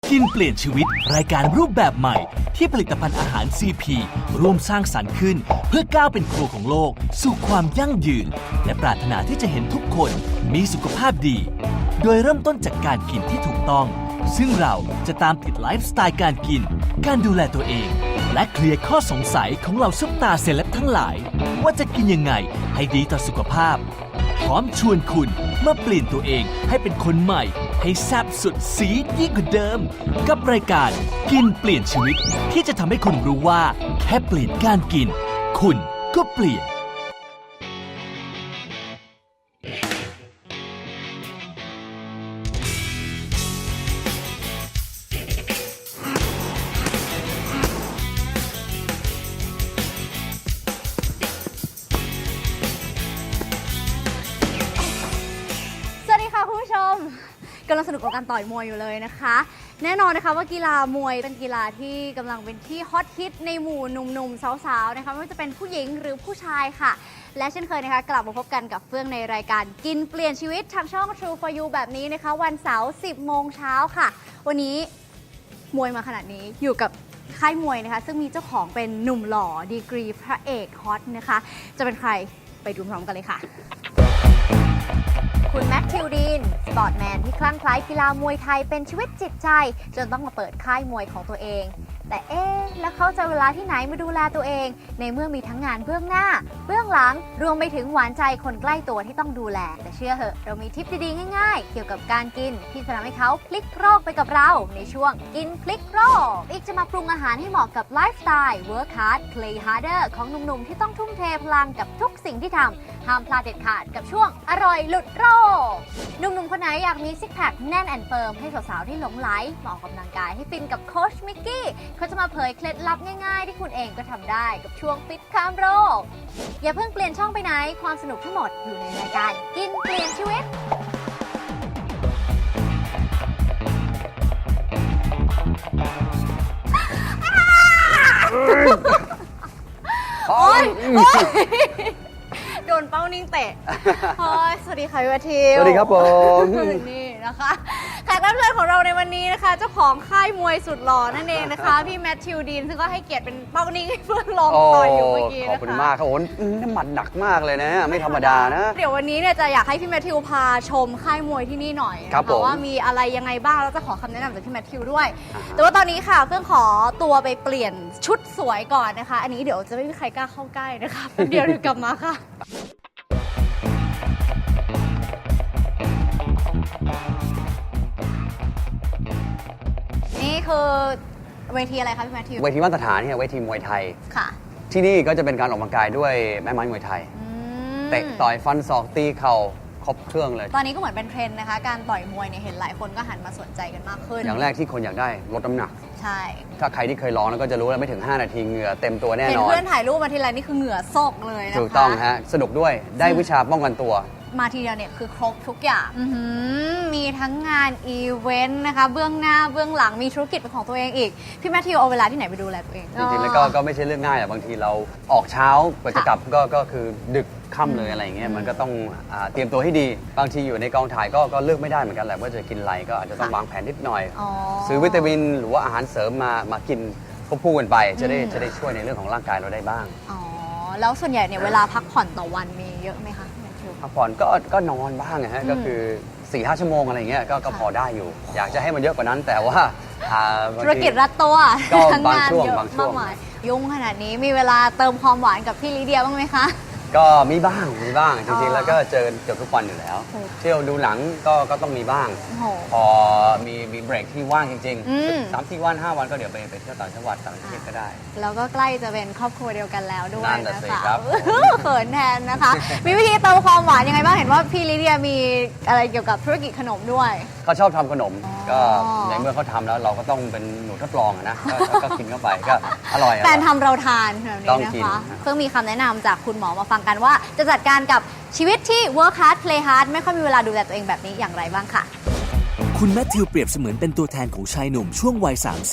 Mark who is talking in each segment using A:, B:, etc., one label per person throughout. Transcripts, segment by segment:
A: กินเปลี่ยนชีวิตรายการรูปแบบใหม่ที่ผลิตภัณฑ์อาหาร CP ร่วมสร้างสรรค์ขึ้นเพื่อก้าวเป็นครัวของโลกสู่ความยั่งยืนและปรารถนาที่จะเห็นทุกคนมีสุขภาพดีโดยเริ่มต้นจากการกินที่ถูกต้องซึ่งเราจะตามติดไลฟ์สไตล์การกินการดูแลตัวเองและเคลียร์ข้อสงสัยของเหล่าซุปตาเซเลบทั้งหลายว่าจะกินยังไงให้ดีต่อสุขภาพพร้อมชวนคุณมาเปลี่ยนตัวเองให้เป็นคนใหม่ให้แซ่บสุดซีดยิ่งกว่าเดิมกับรายการกินเปลี่ยนชีวิตที่จะทำให้คุณรู้ว่าแค่เปลี่ยนการกินคุณก็เปลี่ยน
B: กำลังสนุกกับการต่อยมวยอยู่เลยนะคะแน่นอนนะคะว่ากีฬามวยเป็นกีฬาที่กำลังเป็นที่ฮอตฮิตในหมู่หนุ่มๆสาวๆนะคะไม่ว่าจะเป็นผู้หญิงหรือผู้ชายค่ะและเช่นเคยนะคะกลับมาพบกันกับเฟื่องในรายการกินเปลี่ยนชีวิตทางช่อง True for You แบบนี้นะคะวันเสาร์ 10 โมงเช้าค่ะวันนี้มวยมาขนาดนี้อยู่กับค่ายมวยนะคะซึ่งมีเจ้าของเป็นหนุ่มหล่อดีกรีพระเอกฮอตนะคะจะเป็นใครไปดูพร้อมกันเลยค่ะคุณแมทธิวดีนสปอร์ตแมนที่คลั่งไคล้กีฬามวยไทยเป็นชีวิตจิตใจจนต้องมาเปิดค่ายมวยของตัวเองแต่แล้วเขาจะเวลาที่ไหนมาดูแลตัวเองในเมื่อมีทั้งงานเบื้องหน้าเบื้องหลังรวมไปถึงหวานใจคนใกล้ตัวที่ต้องดูแลแต่เชื่อเหอะเรามีทิปดีๆง่ายๆเกี่ยวกับการกินที่จะทำให้เขาพลิกโรคไปกับเราในช่วงกินพลิกโรคอีกจะมาปรุงอาหารให้เหมาะกับไลฟ์สไตล์ work hard play harder ของหนุ่มๆที่ต้องทุ่มเทพลังกับทุกสิ่งที่ทำห้ามพลาดเด็ดขาดกับช่วงอร่อยหลุดโรคหนุ่มๆคนไหนอยากมีซิกแพคแน่นแอนเฟิร์มให้สาวๆที่หลงไหลมาออกกำลังกายให้ฟินกับโค้ชมิกกี้เขาจะมาเผยเคล็ดลับง่ายๆที่คุณเองก็ทำได้กับช่วงฟิตข้ามโรคอย่าเพิ่งเปลี่ยนช่องไปไหนความสนุกทั้งหมดอยู่ในรายการกินเปลี่ยนชีวิตโอ๊ยโดนเป้านิ่งเตะสวัสดีค่ะพี่วัทิว
C: สวัสดีครับผม
B: นี่นะคะแขกรับเชิญของเราในวันนี้นะคะเจ้าของค่ายมวยสุดหล่อนั่นเองนะคะพี่แมทธิวดีนซึ่งก็ให้เกียรติเป็นเป้านิ่งให้เพื่อนลองต่อยอยู่เมื่อกี้นะคะ
C: ขอบคุณมากครับโอ้น้ำหมัดหนักมากเลยนะไม่ธรรมดานะ
B: เดี๋ยววันนี้เนี่ยจะอยากให้พี่แมทธิวพาชมค่ายมวยที่นี่หน่อยนะคะว่ามีอะไรยังไงบ้างแล้วจะขอคำแนะนำจากพี่แมทธิวด้วยแต่ว่าตอนนี้ค่ะเพื่อนขอตัวไปเปลี่ยนชุดสวยก่อนนะคะอันนี้เดี๋ยวจะไม่มีใครกล้าเข้าใกล้นะคะเดี๋ยวกลับมาค่ะนี่คือเวทีอะไรคะพี่แมทธิว
C: เวทีมาตรฐานเนี่ยเวทีมวยไทย
B: ค่ะ
C: ที่นี่ก็จะเป็นการออกกำลังกายด้วยแม่ไม้มวยไทยเตะต่อยฟันศอกตีเข่าครบเครื่องเลย
B: ตอนนี้ก็เหมือนเป็นเทรนด์นะคะการต่อยมวยเนี่ยเห็นหลายคนก็หันมาสนใจกันมากขึ้น
C: อย่างแรกที่คนอยากได้ลดน้ำหนัก
B: ใช่
C: ถ้าใครที่เคยลองแล้วก็จะรู้แล้วไม่ถึง5นาทีเหงื่อเต็มตัวแน่นอน
B: เห็นเพื่อนถ่ายรูปมาทีไรนี่คือเหงื่อซกเลยนะคะ
C: ถูกต้องฮะสนุกด้วยได้วิชาป้องกันตัว
B: มาทีเดียวเนี่ยคือครบทุกอย่างมีทั้งงานอีเวนต์นะคะเบื้องหน้าเบื้องหลังมีธุรกิจเป็นของตัวเองอีกพี่แมทธิวเอาเวลาที่ไหนไปดูแลตัวเอง
C: จริงๆแล้วก็ไม่ใช่เรื่องง่ายบางทีเราออกเช้ากว่าจะกลับก็คือดึกค่ำเลยอะไรอย่างเงี้ยมันก็ต้องเตรียมตัวให้ดีบางทีอยู่ในกองถ่ายก็เลือกไม่ได้เหมือนกันแหละว่าจะกินอะไรก็อาจจะต้องวางแผนนิดหน่อยซื้อวิตามินหรือว่าอาหารเสริมมากินควบคู่กันไปจะได้ช่วยในเรื่องของร่างกายเราได้บ้าง
B: แล้วส่วนใหญ่เนี่ยเวลาพักผ่อนต่อวันมีเยอะไหมคะ
C: พักผ่อนก็นอนบ้างนะฮะก็คือ 4-5 ชั่วโมงอะไรเงี้ยก็พอได้อยู่อยากจะให้มันเยอะกว่านั้นแต่ว่า
B: ธุรกิจรัดตัว
C: ทั้งงานเยอะ
B: มากมายยุ่งขนาดนี้มีเวลาเติมความหวานกับพี่ลิเดียบ้างไหมคะ
C: ก็มีบ้างจริงๆแล้วก็เจอเกือบทุกวันอยู่แล้วเที่ยวดูหนังก็ต้องมีบ้างพอมีเบรกที่ว่างจริงๆ3-4 วัน 5 วันก็เดี๋ยวไปเที่ยวต่างจังหวัดต่างประเทศก็ได้
B: แล้วก็ใกล้จะเป็นครอบครัวเดียวกันแล้วด้วยนะคะ
C: ครับ
B: เขินแทนนะคะมีวิธีเติมความหวานยังไงบ้างเห็นว่าพี่ลิเดียมีอะไรเกี่ยวกับธุรกิจขนมด้วย
C: เขาชอบทำขนมก็ในเมื่อเขาทำแล้วเราก็ต้องเป็นหนูทดลองนะก็กินเข้าไปก็อร่อย
B: แฟนทำเราทานแบบนี้นะคะเพิ่งมีคำแนะนำจากคุณหมอมาฟังกันว่าจะจัดการกับชีวิตที่ work hard play hard ไม่ค่อยมีเวลาดูแลตัวเองแบบนี้อย่างไรบ้างค่ะ
A: คุณแมทธิวเปรียบเสมือนเป็นตัวแทนของชายหนุ่มช่วงวัย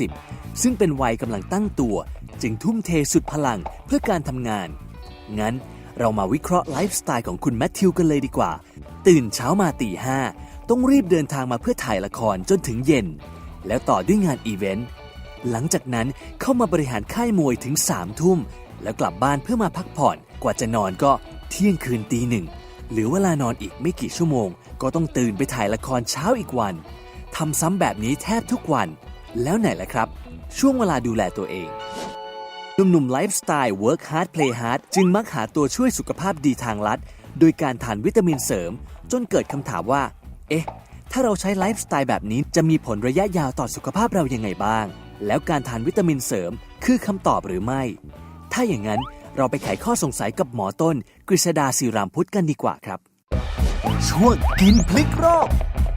A: 30ซึ่งเป็นวัยกำลังตั้งตัวจึงทุ่มเทสุดพลังเพื่อการทำงานงั้นเรามาวิเคราะห์ไลฟ์สไตล์ของคุณแมทธิวกันเลยดีกว่าตื่นเช้ามาตี 5ต้องรีบเดินทางมาเพื่อถ่ายละครจนถึงเย็นแล้วต่อด้วยงานอีเวนต์หลังจากนั้นเข้ามาบริหารค่ายมวยถึง3 ทุ่มแล้วกลับบ้านเพื่อมาพักผ่อนกว่าจะนอนก็เที่ยงคืนตี 1เหลือเวลานอนอีกไม่กี่ชั่วโมงก็ต้องตื่นไปถ่ายละครเช้าอีกวันทำซ้ำแบบนี้แทบทุกวันแล้วไหนล่ะครับช่วงเวลาดูแลตัวเองหนุ่มๆไลฟ์สไตล์ work hard play hard จึงมักหาตัวช่วยสุขภาพดีทางลัดโดยการทานวิตามินเสริมจนเกิดคำถามว่าเอ๊ะถ้าเราใช้ไลฟ์สไตล์แบบนี้จะมีผลระยะยาวต่อสุขภาพเรายังไงบ้างแล้วการทานวิตามินเสริมคือคำตอบหรือไม่ถ้าอย่างนั้นเราไปไขข้อสงสัยกับหมอต้นกฤษดาศิรามพุทธกันดีกว่าครับช่วงกินพลิกโลก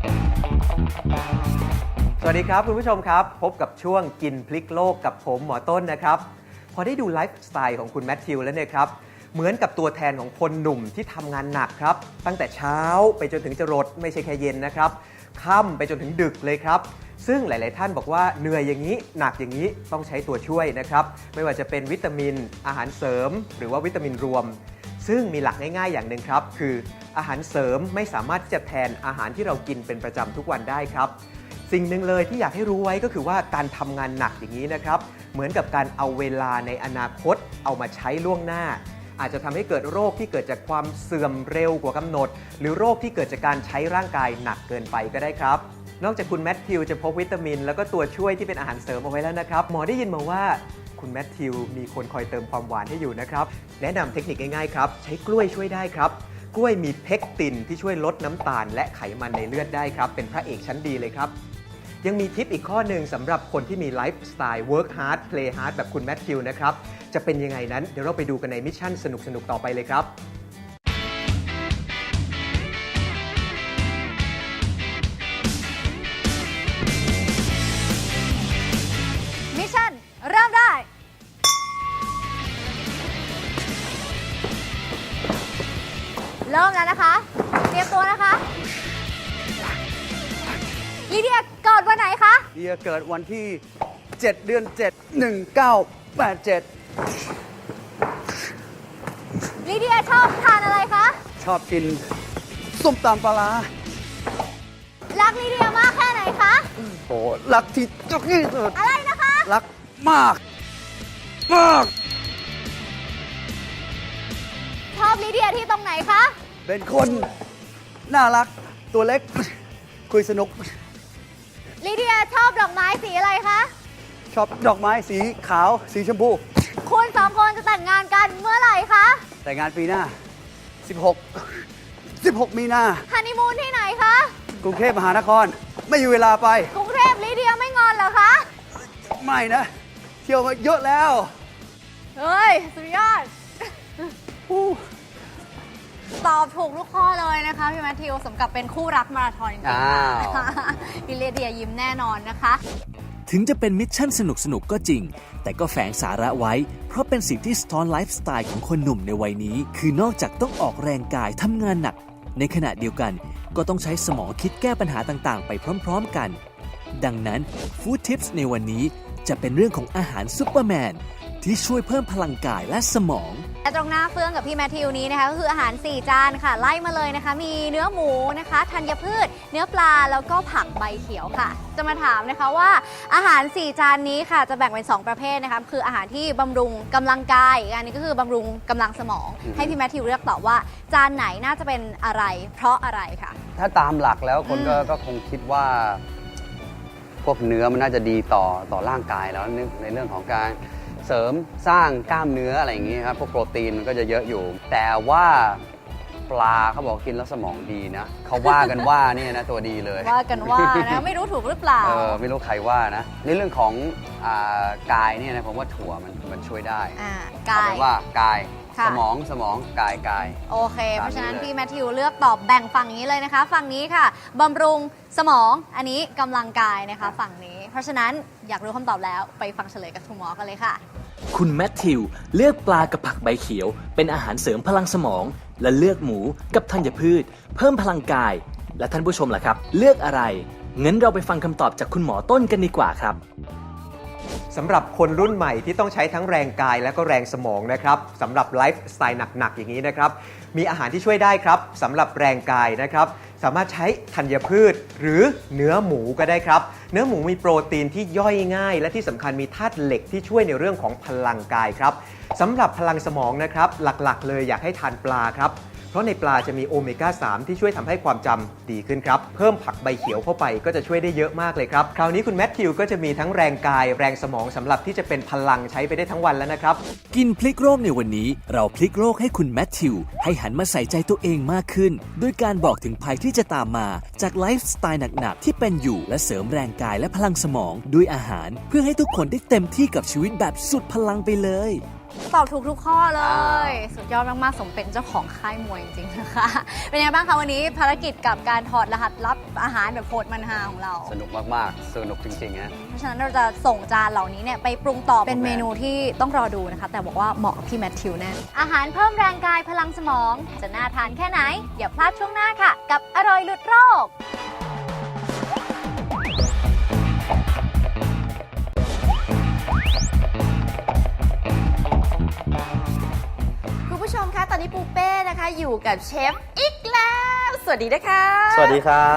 D: สวัสดีครับคุณผู้ชมครับพบกับช่วงกินพลิกโลกกับผมหมอต้นนะครับพอได้ดูไลฟ์สไตล์ของคุณแมทธิวแล้วเนี่ยครับเหมือนกับตัวแทนของคนหนุ่มที่ทำงานหนักครับตั้งแต่เช้าไปจนถึงจรดไม่ใช่แค่เย็นนะครับค่ำไปจนถึงดึกเลยครับซึ่งหลายๆท่านบอกว่าเหนื่อยอย่างนี้หนักอย่างนี้ต้องใช้ตัวช่วยนะครับไม่ว่าจะเป็นวิตามินอาหารเสริมหรือว่าวิตามินรวมซึ่งมีหลักง่ายๆอย่างหนึ่งครับคืออาหารเสริมไม่สามารถที่จะแทนอาหารที่เรากินเป็นประจำทุกวันได้ครับสิ่งหนึ่งเลยที่อยากให้รู้ไว้ก็คือว่าการทำงานหนักอย่างนี้นะครับเหมือนกับการเอาเวลาในอนาคตเอามาใช้ล่วงหน้าอาจจะทำให้เกิดโรคที่เกิดจากความเสื่อมเร็วกว่ากำหนดหรือโรคที่เกิดจากการใช้ร่างกายหนักเกินไปก็ได้ครับนอกจากคุณแมทธิวจะพกวิตามินแล้วก็ตัวช่วยที่เป็นอาหารเสริมเอาไว้แล้วนะครับหมอได้ยินมาว่าคุณแมทธิวมีคนคอยเติมความหวานให้อยู่นะครับแนะนำเทคนิคง่ายๆครับใช้กล้วยช่วยได้ครับกล้วยมีเพกตินที่ช่วยลดน้ำตาลและไขมันในเลือดได้ครับเป็นพระเอกชั้นดีเลยครับยังมีทิปอีกข้อหนึ่งสำหรับคนที่มีไลฟ์สไตล์ work hard play hard แบบคุณแมทธิวนะครับจะเป็นยังไงนั้นเดี๋ยวเราไปดูกันในมิชชั่นสนุกๆต่อไปเลยครับ
B: มิชชั่นเริ่มได้เริ่มแล้วนะคะเตรียมตัวนะคะลีเดียเกิดวันไหนคะ
C: เดียเกิดวันที่ 7 เดือน 7 1987
B: ลีเดียชอบทานอะไรคะ
C: ชอบกินส้มตำปลาร้า
B: รักลีเดียมากแค่ไหนคะ
C: โอ้รักที่จุกที่สุด
B: อะไรนะคะ
C: รักมากมาก
B: ชอบลีเดียที่ตรงไหนคะ
C: เป็นคนน่ารักตัวเล็กคุยสนุก
B: ลีเดียชอบดอกไม้สีอะไรคะ
C: ชอบดอกไม้สีขาวสีชมพู
B: คุณสองคนจะแต่งงานกันเมื่อไหร่คะ
C: แต่งงานปีหน้า 16 มีนา
B: ฮันนีมูนที่ไหนคะ
C: กรุงเทพมหานครไม่มีเวลาไป
B: กรุงเทพลีเดียไม่งอนเหรอคะ
C: ไม่นะ เที่ยวมาเยอะแล้ว
B: เฮ้ย สุดยอด ตอบถูกทุกข้อเลยนะคะพี่แมทธิวสมกับเป็นคู่รักมาราธอนจริงๆ
C: อ้าว
B: ลีเดียยิ้มแน่นอนนะคะ
A: ถึงจะเป็นมิชชั่นสนุกๆก็จริงแต่ก็แฝงสาระไว้เพราะเป็นสิ่งที่สะท้อนไลฟ์สไตล์ของคนหนุ่มในวัยนี้คือนอกจากต้องออกแรงกายทำงานหนักในขณะเดียวกันก็ต้องใช้สมองคิดแก้ปัญหาต่างๆไปพร้อมๆกันดังนั้นฟู้ดทิปส์ในวันนี้จะเป็นเรื่องของอาหารซุปเปอร์แมนที่ช่วยเพิ่มพลังกายและสมอง
B: และตรงหน้าเฟื่องกับพี่แมทธิวนี้นะคะก็คืออาหาร4จานค่ะไล่มาเลยนะคะมีเนื้อหมูนะคะธัญพืชเนื้อปลาแล้วก็ผักใบเขียวค่ะจะมาถามนะคะว่าอาหาร4จานนี้ค่ะจะแบ่งเป็น2ประเภทนะคะคืออาหารที่บำรุงกำลังกายอีกอันนี้ก็คือบำรุงกำลังสมองให้พี่แมทธิวเลือกตอบว่าจานไหนน่าจะเป็นอะไรเพราะอะไรค่ะ
C: ถ้าตามหลักแล้วคนก็คงคิดว่าพวกเนื้อมันน่าจะดีต่อร่างกายแล้วในเรื่องของการเสริมสร้างกล้ามเนื้ออะไรอย่างนี้ครับพวกโปรตีนมันก็จะเยอะอยู่แต่ว่าปลาเขาบอกกินแล้วสมองดีนะเขาว่ากันว่านี่นะตัวดีเลย
B: ว่ากันว่านะไม่รู้ถูกหรือเปล่า
C: ไม่รู้ใครว่านะในเรื่องของกายเนี่ยนะผมว่าถั่วมันช่วยได้
B: กาย
C: ว่ากายสมองกาย
B: โอเคเพราะฉะนั้นพี่แมทธิวเลือกตอบแบ่งฝั่งนี้เลยนะคะฝั่งนี้ค่ะบำรุงสมองอันนี้กำลังกายนะคะฝั่งนี้เพราะฉะนั้นอยากรู้คำตอบแล้วไปฟังเฉลยกับคุณหมอกันเลยค่ะ
A: คุณแมทธิวเลือกปลากับผักใบเขียวเป็นอาหารเสริมพลังสมองและเลือกหมูกับธัญพืชเพิ่มพลังกายและท่านผู้ชมล่ะครับเลือกอะไรงั้นเราไปฟังคำตอบจากคุณหมอต้นกันดีกว่าครับ
D: สำหรับคนรุ่นใหม่ที่ต้องใช้ทั้งแรงกายและก็แรงสมองนะครับสำหรับไลฟ์สไตล์หนักๆอย่างนี้นะครับมีอาหารที่ช่วยได้ครับสำหรับแรงกายนะครับสามารถใช้ธัญพืชหรือเนื้อหมูก็ได้ครับ เนื้อหมูมีโปรตีนที่ย่อยง่าย และที่สำคัญมีธาตุเหล็กที่ช่วยในเรื่องของพลังกายครับสำหรับพลังสมองนะครับหลักๆเลยอยากให้ทานปลาครับเพราะในปลาจะมีโอเมก้า 3 ที่ช่วยทำให้ความจำดีขึ้นครับเพิ่มผักใบเขียวเข้าไปก็จะช่วยได้เยอะมากเลยครับคราวนี้คุณแมทธิวก็จะมีทั้งแรงกายแรงสมองสำหรับที่จะเป็นพลังใช้ไปได้ทั้งวันแล้วนะครับ
A: กินพลิกโลกในวันนี้เราพลิกโลกให้คุณแมทธิวให้หันมาใส่ใจตัวเองมากขึ้นด้วยการบอกถึงภัยที่จะตามมาจากไลฟ์สไตล์หนักๆที่เป็นอยู่และเสริมแรงกายและพลังสมองด้วยอาหารเพื่อให้ทุกคนได้เต็มที่กับชีวิตแบบสุดพลังไปเลย
B: ตอบถูกทุกข้อเลย สุดยอดมากๆสมเป็นเจ้าของค่ายมวยจริงๆนะคะเป็นยังไงบ้างคะวันนี้ภารกิจกับการถอดรหัสลับอาหารแบบโหดมันฮาของเรา
C: สนุกมากๆสนุกจริงๆนะ
B: เพราะฉะนั้นเราจะส่งจานเหล่านี้เนี่ยไปปรุงต่อเป็นเมนูที่ต้องรอดูนะคะแต่บอกว่าเหมาะกับพี่แมทธิวแน่อาหารเพิ่มแรงกายพลังสมองจะน่าทานแค่ไหนอย่าพลาดช่วงหน้าค่ะกับอร่อยหลุดโรค
E: คุณผู้ชมคะตอนนี้ปูเป้นะคะอยู่กับเชฟอีกแล้วสวัสดีนะคะ
F: สวัสดีครับ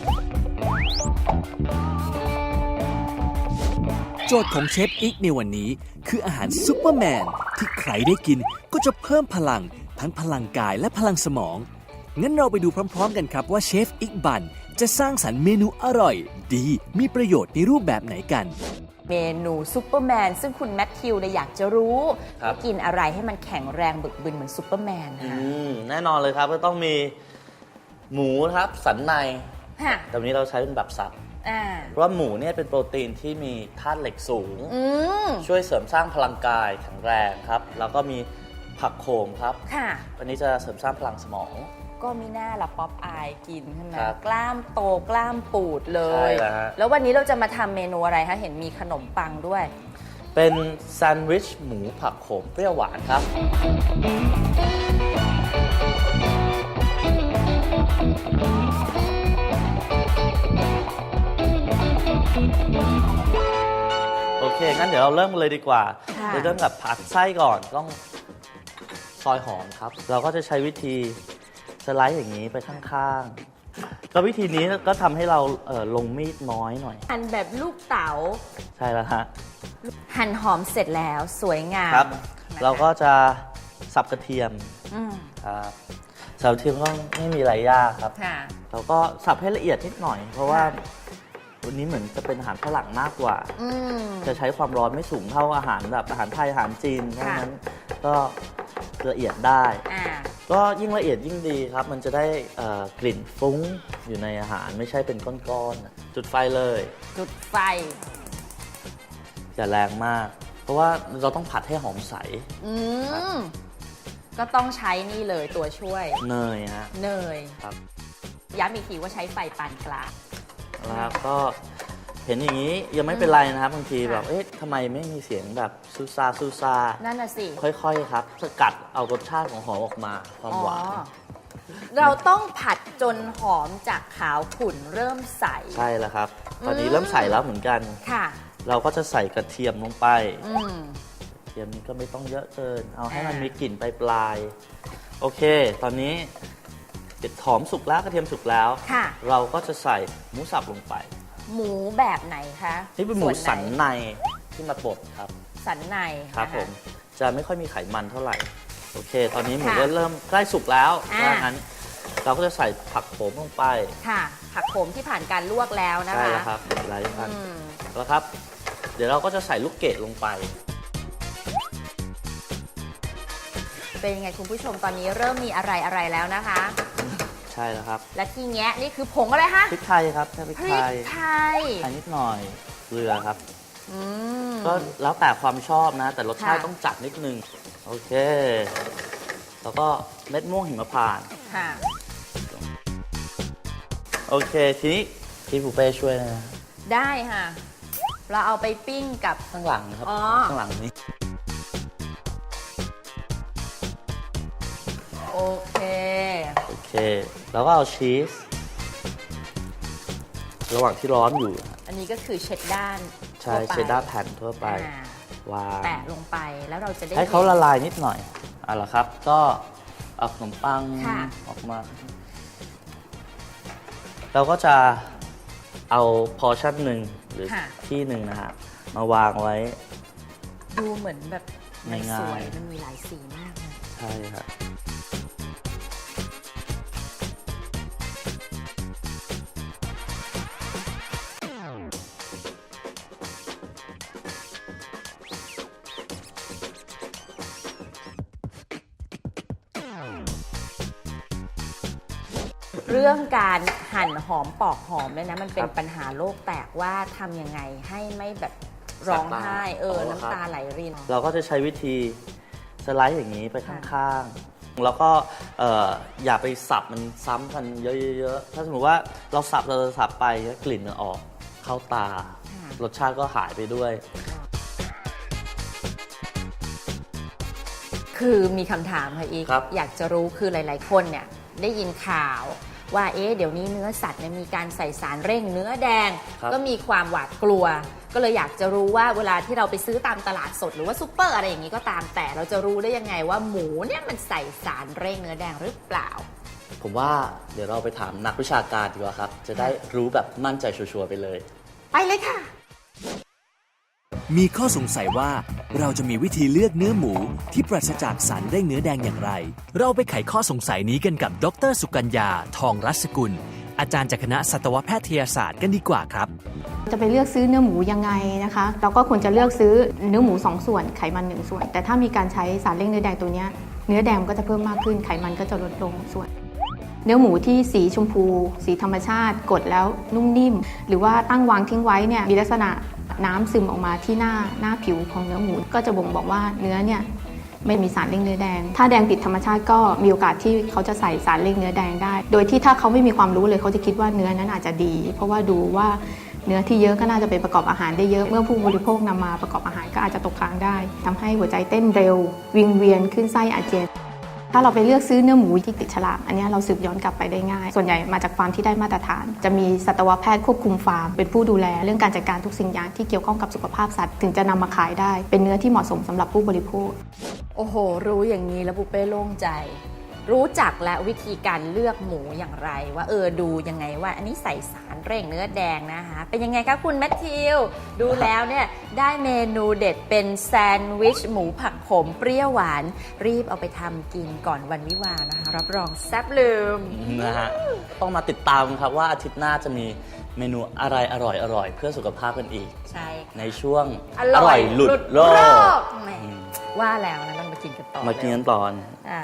A: โจทย์ของเชฟอิกในวันนี้คืออาหารซุปเปอร์แมนที่ใครได้กินก็จะเพิ่มพลังทั้งพลังกายและพลังสมองงั้นเราไปดูพร้อมๆกันครับว่าเชฟอิกบันจะสร้างสรรค์เมนูอร่อยดีมีประโยชน์ในรูปแบบไหนกัน
E: เมนูซูเปอร์แมนซึ่งคุณแมทธิวเนี่ยอยากจะรู้
F: ครับ
E: ว่ากินอะไรให้มันแข็งแรงบึกบึนเหมือนซูเปอร์แมนค่ะ
F: แน่นอนเลยครับก็ต้องมีหมูครับสันใน
E: ค่ะ
F: แต่วันนี้เราใช้เป็นแบบสับ
E: อ่า
F: เพราะว่าหมูเนี่ยเป็นโปรตีนที่มีธาตุเหล็กสูง
E: อืม
F: ช่วยเสริมสร้างพลังกายแข็งแรงครับ แล้วก็มีผักโขมครับ
E: ค่ะ
F: อันนี้จะเสริมสร้างพลังสมอง
E: ก็มีหน้าละป๊อปอายกินใช่ไหม
F: ครับ
E: กล้ามโตกล้ามปูดเล
F: ใช่
E: ย
F: แล้วฮะ
E: แล้ววันนี้เราจะมาทำเมนูอะไรคะเห็นมีขนมปังด้วย
F: เป็นแซนด์วิชหมูผักโขมเปรี้ยวหวานครับ โอเค งั้นเดี๋ยวเราเริ่มกันเลยดีกว่า
E: ค่ะ
F: เริ่มกับผัดไส้ก่อนต้องซอยหอมครับ เราก็จะใช้วิธีสไลด์อย่างนี้ไปข้างๆ ก็วิธีนี้ก็ทำให้เราลงมีดน้อยหน่อย
E: หั่นแบบลูกเต๋า
F: ใช่แล้วฮะ
E: หั่นหอมเสร็จแล้วสวยงาม
F: ครับ
E: นะคะ
F: เราก็จะสับกระเทียม
E: อืม
F: ครับสับกระเทียมก็ไม่มีอะไรยากครับ
E: ค่ะ
F: เราก็สับให้ละเอียดนิดหน่อย เพราะว่าวันนี้เหมือนจะเป็นอาหารฝรั่งมากกว่า
E: อืม
F: จะใช้ความร้อนไม่สูงเท่าอาหารแบบอาหารไทยอาหารจีนเพราะฉะนั้นก็ละเอียดได้
E: อ่า
F: ก็ยิ่งละเอียดยิ่งดีครับ มันจะได้กลิ่นฟุ้งอยู่ในอาหารไม่ใช่เป็นก้อนๆจุดไฟเลย
E: จุดไฟ
F: อย่าแรงมาก เพราะว่าเราต้องผัดให้หอมใส
E: อืม ก็ต้องใช้นี่เลยตัวช่วย
F: เนยฮะ
E: เนย
F: ครับ
E: ย้ำอีกทีว่าใช้ไฟปานกลาง
F: แล้วก็เห็นอย่างนี้ยังไม่เป็นไรนะครับบางทีแบบเอ๊ะทำไมไม่มีเสียงแบบซูซาซูซา
E: นั่นน่ะสิ
F: ค่อยๆครับสกัดเอารสชาติของหอมออกมาความหวาน
E: อ๋อเราต้องผัดจนหอมจากขาวขุ่นเริ่มใส
F: ใช่แล้วครับ ตอนนี้เริ่มใส่แล้วเหมือนกัน
E: ค่ะ
F: เราก็จะใส่กระเทียมลงไป
E: อืม
F: กระเทียมนี้ก็ไม่ต้องเยอะเกิน เอาให้มัน
E: อ่ามี
F: มีกลิ่นปลายๆโอเค ตอนนี้หอมสุกแล้วกระเทียมสุกแล้ว
E: ค่ะ
F: เราก็จะใส่หมูสับลงไป
E: หมูแบบไหนคะ
F: นี่เป็นหมู
E: วไ
F: สันในที่มาบดครับ
E: สันใน
F: ครับ
E: นะะ
F: ผมจะไม่ค่อยมีไขมันเท่าไหร่โอเค ตอนนี้หมู
E: ค่ะ
F: ก็เริ่มใกล้สุกแล้ว
E: อ่า
F: ดังนั้นเราก็จะใส่ผักโขมลงไป
E: ค่ะ ผักโขมที่ผ่านการลวกแล้วนะคะ
F: ใช่แล้วครับหลายพัน
E: อืม
F: แล้วครับ เดี๋ยวเราก็จะใส่ลูกเกดลงไป
E: เป็นยังไงคุณผู้ชมตอนนี้เริ่มมีอะไรแล้วนะคะ
F: ใช่แล้วครับ
E: และที่แงะนี่คือผงอะไรคะ
F: พริกไทยครับแค่พริก
E: พริ
F: ไท
E: ก
F: ย
E: ไทย
F: ไทยนิดหน่อยเกลือครับ
E: อืม
F: ก็แล้วแต่ความชอบนะ แต่รสชาติ
E: ค่ะ
F: ต้องจัดนิดนึง โอเค แล้วก็เม็ดม่วงหิมพานต์
E: ค่ะ
F: โอเค ทีนี้พี่ปูเป้ช่วยนะ
E: ได้ค่ะ เราเอาไปปิ้งกับ
F: ข้างหลังครับ
E: อ๋อ
F: ข้างหลังนี้
E: โอเค
F: โอเค แล้วก็เอาชีส ระหว่างที่ร้อนอยู่
E: อันนี้ก็คือเช็ดด้าน
F: ใช่
E: ทั่วไป
F: เชดดาร์แผ่นทั่วไป
E: อ่า
F: วาง
E: แตะลงไปแล้วเราจะได้
F: ให้เขา
E: ห็น
F: ละลายนิดหน่อยเอาละครับ ก็เอาขนมปัง
E: ค่ะ
F: ออกมาเราก็จะเอาพอชั่นหนึ่งหรือ
E: ค่ะ
F: ที่หนึ่งนะฮะมาวางไว้
E: ดูเหมือนแบบมันสวย
F: ง่ายๆ
E: มันมีหลายสีมากเลย
F: ใช่ครับ
E: เรื่องการหั่นหอมปอกหอมเนี่ยนะมันเป็
F: คน รับ
E: ปัญหาโลกแตกว่าทำยังไงให้ไม่แบบร้องไห้
F: ครับ
E: น้ำตาไหลริน
F: เราก็จะใช้วิธีสไลด์อย่างนี้ไปข้างๆ แล้วก็อย่าไปสับมันซ้ำกันเยอะๆ ถ้าสมมติว่าเราสับไปกลิ่นมันออกเข้าตา
E: ค่ะ
F: รสชาติก็หายไปด้วย
E: คือมีคำถามค่ะอีก
F: ครับ
E: อยากจะรู้คือหลาย ๆ คนเนี่ยได้ยินข่าวว่าเดี๋ยวนี้เนื้อสัตว์เนี่ยมีการใส่สารเร่งเนื้อแดง
F: ครับ
E: ก็มีความหวาดกลัว ก็เลยอยากจะรู้ว่าเวลาที่เราไปซื้อตามตลาดสดหรือว่าซุปเปอร์อะไรอย่างนี้ก็ตามแต่เราจะรู้ได้ยังไงว่าหมูเนี่ยมันใส่สารเร่งเนื้อแดงหรือเปล่า
F: ผมว่าเดี๋ยวเราไปถามนักวิชาการดีกว่าครับ จะได้รู้แบบมั่นใจชัวร์ๆไปเลย
E: ไปเลยค่ะ
A: มีข้อสงสัยว่าเราจะมีวิธีเลือกเนื้อหมูที่ปราศจากสารเร่งเนื้อแดงอย่างไร เราไปไขข้อสงสัยนี้กันกับดร.สุกัญญา ทองรัศกุล อาจารย์จากคณะสัตวแพทยศาสตร์กันดีกว่าครับ
G: จะไปเลือกซื้อเนื้อหมูยังไงนะคะ เราก็ควรจะเลือกซื้อเนื้อหมู2ส่วนไขมัน1ส่วน แต่ถ้ามีการใช้สารเร่งเนื้อแดงตัวเนี้ยเนื้อแดงมันก็จะเพิ่มมากขึ้นไขมันก็จะลดลงส่วน เนื้อหมูที่สีชมพู สีธรรมชาติกดแล้วนุ่มนิ่ม หรือว่าตั้งวางทิ้งไว้เนี่ยมีลักษณะน้ำซึมออกมาที่หน้าผิวของเนื้อหมูก็จะบ่งบอกว่าเนื้อเนี่ยไม่มีสารเร่งเนื้อแดง ถ้าแดงผิดธรรมชาติก็มีโอกาสที่เขาจะใส่สารเร่งเนื้อแดงได้ โดยที่ถ้าเขาไม่มีความรู้เลยเขาจะคิดว่าเนื้อนั้นอาจจะดี เพราะว่าดูว่าเนื้อที่เยอะก็น่าจะไปประกอบอาหารได้เยอะ เมื่อผู้บริโภคนำมาประกอบอาหารก็อาจจะตกค้างได้ทำให้หัวใจเต้นเร็ว วิงเวียนขึ้นไส้อาเจียน ถ้าเราไปเลือกซื้อเนื้อหมูที่ติดฉลากอันนี้เราสืบย้อนกลับไปได้ง่าย ส่วนใหญ่มาจากฟาร์มที่ได้มาตรฐาน จะมีสัตวแพทย์ควบคุมฟาร์มเป็นผู้ดูแลเรื่องการจัดการทุกสิ่งอย่างที่เกี่ยวข้องกับสุขภาพสัตว์ถึงจะนำมาขายได้ เป็นเนื้อที่เหมาะสมสำหรับผู้บริโภค
E: โอ้โห รู้อย่างนี้แล้วปุเป้โล่งใจ รู้จักและวิธีการเลือกหมูอย่างไร ว่าดูยังไงว่าอันนี้ใส่สารเร่งเนื้อแดงนะคะเป็นยังไงคะคุณแมทธิวดูแล้วเนี่ยได้เมนูเด็ดเป็นแซนด์วิชหมูผักขมเปรี้ยวหวานรีบเอาไปทำกินก่อนวันวิวาห์นะคะรับรองแซ่บลืม
F: นะฮะต้องมาติดตามครับว่าอาทิตย์หน้าจะมีเมนูอะไรอร่อยๆ เพื่อสุขภาพกันอีก
E: ใช่
F: ในช่วง
E: อร่อย
F: หลุดโลก
E: แหมว่าแล้วนะต้องมากินกันต่อ
F: มากินกันตอน
E: อ่า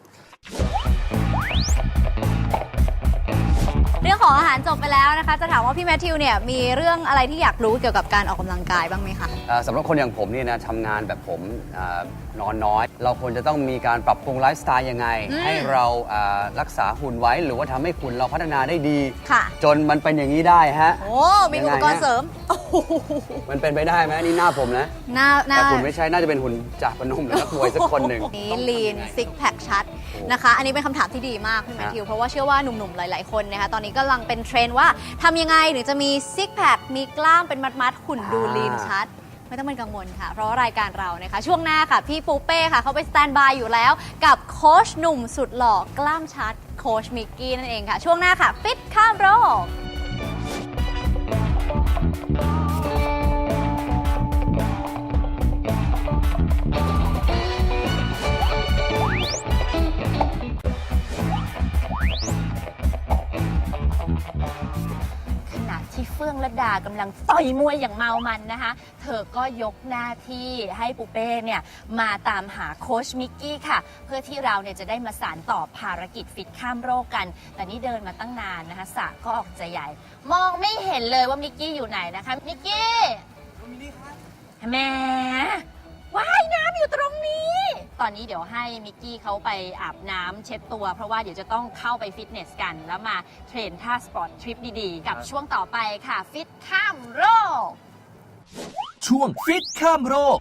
B: เรื่องของอาหารจบไปแล้วนะคะ จะถามว่าพี่แมทธิวเนี่ยมีเรื่องอะไรที่อยากรู้เกี่ยวกับการออกกำลังกายบ้างไหมคะ
C: สำหรับคนอย่างผมเนี่ยนะทำงานแบบผมนอนน้อย เราควรจะต้องมีการปรับปรุงไลฟ์สไตล์ยังไง ให้เรารักษาหุ่นไว้หรือว่าทำให้หุ่นเราพัฒนาได้ดี
B: ค่ะ
C: จนมันเป็นอย่างนี้ได้ฮะ
B: โอ้มีอุปกรณ์เสริมโอ้โห
C: มันเป็นไปได้ไหมนี่หน้าผมนะ
B: หน้า
C: แต่หุ่นไม่ใช่น่าจะเป็นหุ่นจ่าพนมหรือนักมวยสักคนหนึ่ง
B: นี้ลีนซิกแพคชัดนะคะ อันนี้เป็นคำถามที่ดีมากพี่แมทธิวเพราะว่าเชื่อว่าหนุ่มๆหลายๆคนนะคะตอนนี้กำลังเป็นเทรนด์ว่าทำยังไงถึงจะมีซิกแพคมีกล้ามเป็นมัดๆหุ่นดูลีนชัด ไม่ต้องเป็นกังวลค่ะ เพราะว่ารายการเรานะคะช่วงหน้าค่ะ พี่ปูเป้ค่ะเขาไปสแตนบายอยู่แล้ว กับโค้ชหนุ่มสุดหล่อกล้ามชัดโค้ชมิกกี้นั่นเองค่ะ ช่วงหน้าค่ะฟิตข้ามโรค
E: ขณะที่เฟื่องระดากำลังต่อยมวยอย่างเมามันนะคะ เธอก็ยกหน้าที่ให้ปูเป้เนี่ยมาตามหาโค้ชมิกกี้ค่ะ เพื่อที่เราเนี่ยจะได้มาสานต่อภารกิจฟิตข้ามโรคกัน แต่นี่เดินมาตั้งนานนะคะสระก็ออกจะใหญ่ มองไม่เห็นเลยว่ามิกกี้อยู่ไหนนะคะมิกกี้แหมว่ายน้ำอยู่ตรงนี้ ตอนนี้เดี๋ยวให้มิกกี้เขาไปอาบน้ำเช็ดตัว เพราะว่าเดี๋ยวจะต้องเข้าไปฟิตเนสกัน แล้วมาเทรนท่าสปอร์ตทริปดีๆ กับช่วงต่อไปค่ะ ฟิตข้ามโรค
A: ช่วงฟิตข้ามโรค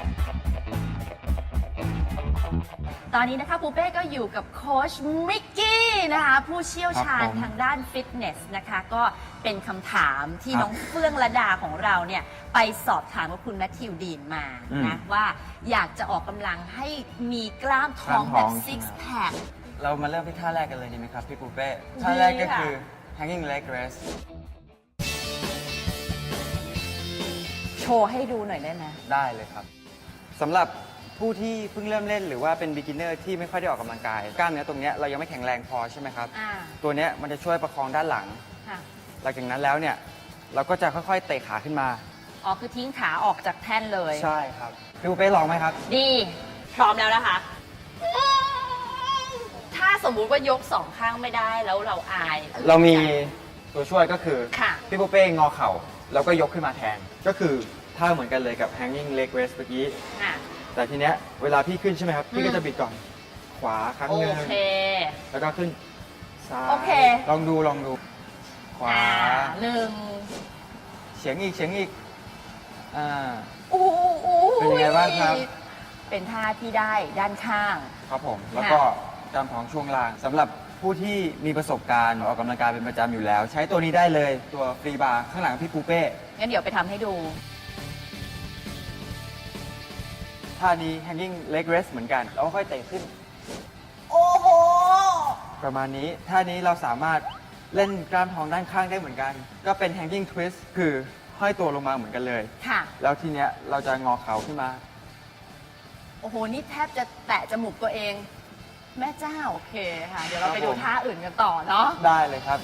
E: ตอนนี้นะคะปูเป้ก็อยู่กับโค้ชมิกกี้นะคะผู้เชี่ยวชาญทางด้านฟิตเนสนะคะก็เป็นคำถามที่น้องเฟื่องระดาของเราเนี่ยไปสอบถามกับคุณแมทธิวดีนมานะว่าอยากจะออกกำลังให้มีกล้ามท้องแบบซิกแพค
H: เรามาเริ่มที่ท่าแรกกันเลยดีไหมครับพี่ปูเป้
E: ดี
H: ท่าแรกก็
E: ค่ะ
H: คือ hanging leg raise
E: โชว์ให้ดูหน่อยได้ไหม
H: ได้เลยครับสำหรับผู้ที่เพิ่งเริ่มเล่นหรือว่าเป็น beginner ที่ไม่ค่อยได้ออกกำลังกายกล้ามเนื้อตรงเนี้ยเรายังไม่แข็งแรงพอใช่ไหมครับ
E: อ่า
H: ตัวเนี้ยมันจะช่วยประคองด้านหลัง
E: ค่ะ
H: หลังจากนั้นแล้วเนี่ยเราก็จะค่อยๆเตะขาขึ้นมา
E: อ๋อ คือทิ้งขาออกจากแท่นเลย
H: ใช่ครับพี่ปูเป้ลองไหมครับ
E: ดี พร้อมแล้วนะคะ ถ้าสมมุติว่ายกสองข้างไม่ได้แล้วเราอาย
H: เรามีตัวช่วยก็คือ
E: ค่ะ
H: พี่ปูเป้งอเข่าแล้วก็ยกขึ้นมาแทน ก็คือท่าเหมือนกันเลยกับ hanging leg raise เมื่อกี้
E: ค่ะ
H: แต่ทีเนี้ยเวลาพี่ขึ้นใช่ไหมครับ พี่ก็จะบิดก่อน ขวาครั้ง
E: โอ
H: หนึ่ง
E: เค
H: แล้วก็ขึ้นซ้าย
E: โอเค
H: ลองดูขวา
E: หนึ่ง
H: เฉียงอีกอ่า
E: อู้
H: เป็นยังไงบ้างครับ
E: เป็นท่าที่ได้ด้านข้าง
H: ครับผม แล้วก็กล้ามท้องช่วงล่างสำหรับผู้ที่มีประสบการณ์ออกกำลังกายเป็นประจำอยู่แล้ว ใช้ตัวนี้ได้เลยตัวฟรีบาร์ข้างหลังพี่ปูเป้
E: งั้นเดี๋ยวไปทำให้ดู
H: ท่านี้ hanging leg raise เหมือนกันแล้วก็ค่อยเตะขึ้น
E: โอ้โห
H: ประมาณนี้ท่านี้เราสามารถเล่นกล้ามท้องด้านข้างได้เหมือนกัน ก็เป็น hanging twist คือห้อยตัวลงมาเหมือนกันเลย
E: ค่ะ
H: แล้วทีเนี้ยเราจะงอเข่าขึ้นมา
E: โอ้โห นี่แทบจะแตะจมูกตัวเอง แม่เจ้า โอเคค่ะ เดี๋ยวเราไปดูท่าอื่นกันต่อเนาะ
H: ได้เลยครับ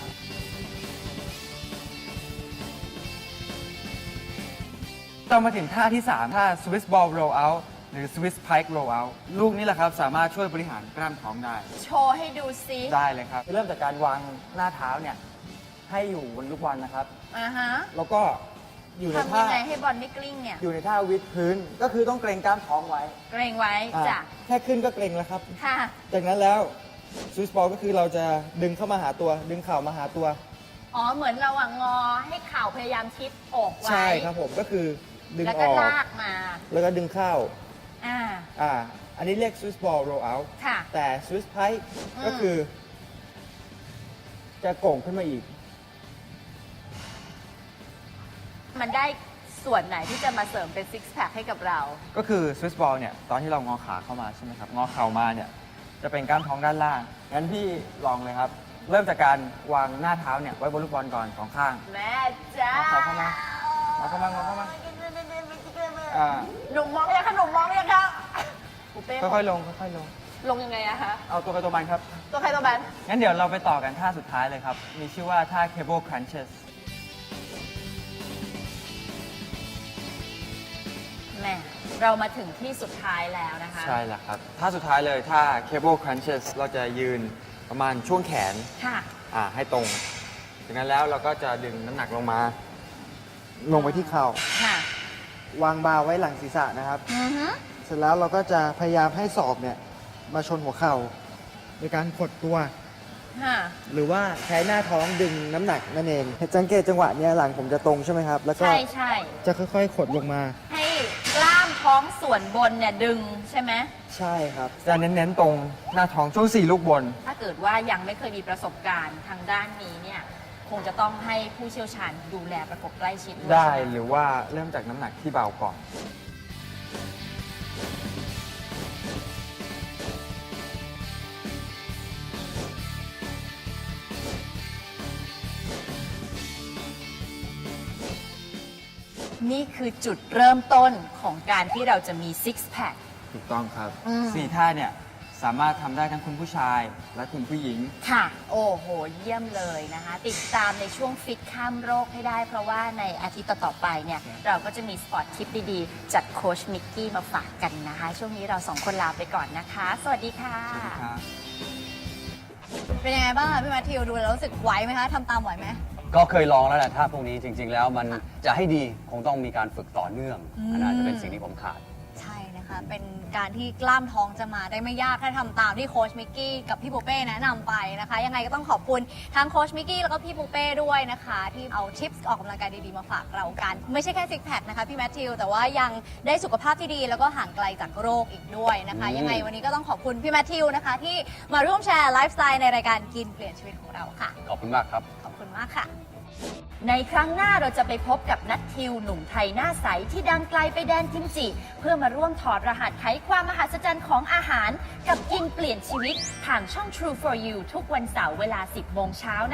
H: ต้องมาถึงท่าที่ 3 ท่า Swiss ball roll out หรือ Swiss pike roll out ลูกนี้แหละครับ สามารถช่วยบริหารกล้ามท้องได้
E: โชว์ให้ดูซิ
H: ได้เลยครับ เริ่มจากการวางหน้าเท้าเนี่ย ให้อยู่บนลูกบอลนะครับ
E: อ่าฮะ
H: แล้วก็อยู่ใน
E: ทำ
H: ท่า
E: ยังไงให้บอลไม่กลิ้งเนี่ย
H: อยู่ในท่าวิดพื้น ก็คือต้องเกรงกล้ามท้องไว้
E: เกรงไว้
H: อ่า
E: จ้ะ
H: แค่ขึ้นก็เกรงแล้วครับ
E: ค่ะ
H: จากนั้นแล้ว Swiss ball ก็คือเราจะดึงเข้ามาหาตัว ดึงเข่ามาหาตัว
E: อ๋อ เหมือนเราอะงอให้เข่าพยายามชิดอกไว้
H: ใช่ครับผมก็คือดึง
E: แล้ว
H: อ
E: ก็
H: อก
E: ลากมา
H: แล้วก็ดึงเข้า
E: อ่า
H: อันนี้เรียก Swiss ball roll out
E: ค่ะ
H: แต่ Swiss pike
E: อืม
H: ก็คือ จะโก่งขึ้นมาอีก
E: มันได้ส่วนไหนที่จะมาเสริมเป็นซิกแพคให้กับเรา
H: ก็คือ Swiss ball เนี่ย ตอนที่เรางอขาเข้ามาใช่ไหมครับ งอเข่ามาเนี่ย จะเป็นกล้ามท้องด้านล่าง งั้นพี่ลองเลยครับ เริ่มจากการวางหน้าเท้าเนี่ย ไว้บนลูกบอลก่อนสองข้าง
E: แม่เจ้า
H: เอาเข้ามา เอาเข้ามาเอาเข้ามา อ่า
E: หนุ่มมองยังคะหนุ่มมองยังคะปูเป้
H: ค่อยๆลงค่อยๆลง
E: ลงยังไงอะคะ
H: เอาตัวไปตัวมันครับ
E: ตัวใครตัวมัน
H: งั้นเดี๋ยวเราไปต่อกันท่าสุดท้ายเลยครับ มีชื่อว่าท่า cable crunches
E: แม่เรามาถึงที่สุดท้ายแล้วนะคะ
H: ใช่แล้วครับท่าสุดท้ายเลยท่า cable crunches เราจะยืนประมาณช่วงแขน
E: ค่ะ
H: ให้ตรง จากนั้นแล้วเราก็จะดึงน้ำหนักลงมา ลงไปที่เข่า
E: ค่ะ
I: วางบาร์ไว้หลังศีรษะนะครับ
E: อือฮึ
I: เสร็จแล้วเราก็จะพยายามให้ศอกเนี่ยมาชนหัวเข่าในการขดตัว
E: ค่ะ
I: หรือว่าใช้หน้าท้องดึงน้ำหนักนั่นเองสังเกตจังหวะเนี้ยหลังผมจะตรงใช่ไหมครับ แล้วก็
E: ใช่ใช่
I: จะค่อยๆ ขดลงมา
E: ให้กล้ามท้องส่วนบนเนี่ยดึงใช่ไหม
I: ใช่ครับ
H: จะเน้นๆตรงหน้าท้องช่วง4ลูกบน
E: ถ้าเกิดว่ายังไม่เคยมีประสบการณ์ทางด้านนี้เนี่ยคงจะต้องให้ผู้เชี่ยวชาญดูแลประกบใกล้ชิดด้วย
H: ได้
E: ใช่ไหม
H: หรือว่าเริ่มจากน้ำหนักที่เบาก่อน
E: นี่คือจุดเริ่มต้นของการที่เราจะมีซิกแพค
H: ถูกต้องครับ
E: อืม
H: 4 ท่าเนี่ย สามารถทำได้ทั้งคุณผู้ชายและคุณผู้หญิง
E: ค่ะ โอ้โห เยี่ยมเลยนะคะ ติดตามในช่วงฟิตข้ามโรคให้ได้ เพราะว่าในอาทิตย์ต่อๆไปเนี่ย เราก็จะมีสปอร์ตทิปดีๆ จากโค้ชมิกกี้มาฝากกันนะคะ ช่วงนี้เราสองคนลาไปก่อนนะคะ สวัสดีค่ะ
H: สวัสดีครับ
B: เป็นยังไงบ้างคะพี่แมทธิวดูแล้วรู้สึกไหวไหมคะทำตามไหวไหม
C: ก็เคยลองแล้วแหละท่าพวกนี้จริง ๆ แล้วมันจะให้ดีคงต้องมีการฝึกต่อเนื่อง อันนั้นอาจจะเป็นสิ่งที่ผมขาด
B: ใช่นะคะ เป็นการที่กล้ามท้องจะมาได้ไม่ยากถ้าทำตามที่โค้ชมิกกี้กับพี่ปูเป้แนะนำไปนะคะ ยังไงก็ต้องขอบคุณทั้งโค้ชมิกกี้แล้วก็พี่ปูเป้ด้วยนะคะ ที่เอาทิปส์ออกกำลังกายดีๆมาฝากเรากัน ไม่ใช่แค่ซิกแพคนะคะพี่แมทธิวแต่ว่ายังได้สุขภาพที่ดีแล้วก็ห่างไกลจากโรคอีกด้วยนะคะ ยังไงวันนี้ก็ต้องขอบคุณพี่แมทธิวนะคะ ที่มาร่วมแชร์ไลฟ์สไตล์ในรายการกินเปลี่ยนชีวิตของเราค่ะ
C: ขอบคุณมากครับ
B: ขอบคุณมากค่ะ
E: ในครั้งหน้าเราจะไปพบกับนัททิวหนุ่มไทยหน้าใสที่ดังไกลไปแดนกิมจิ เพื่อมาร่วมถอดรหัสไขความมหัศจรรย์ของอาหาร กับกินเปลี่ยนชีวิตทางช่อง True for You ทุกวันเสาร์เวลา 10 โมงเช้า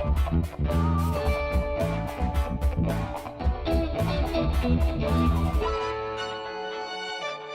E: นะคะ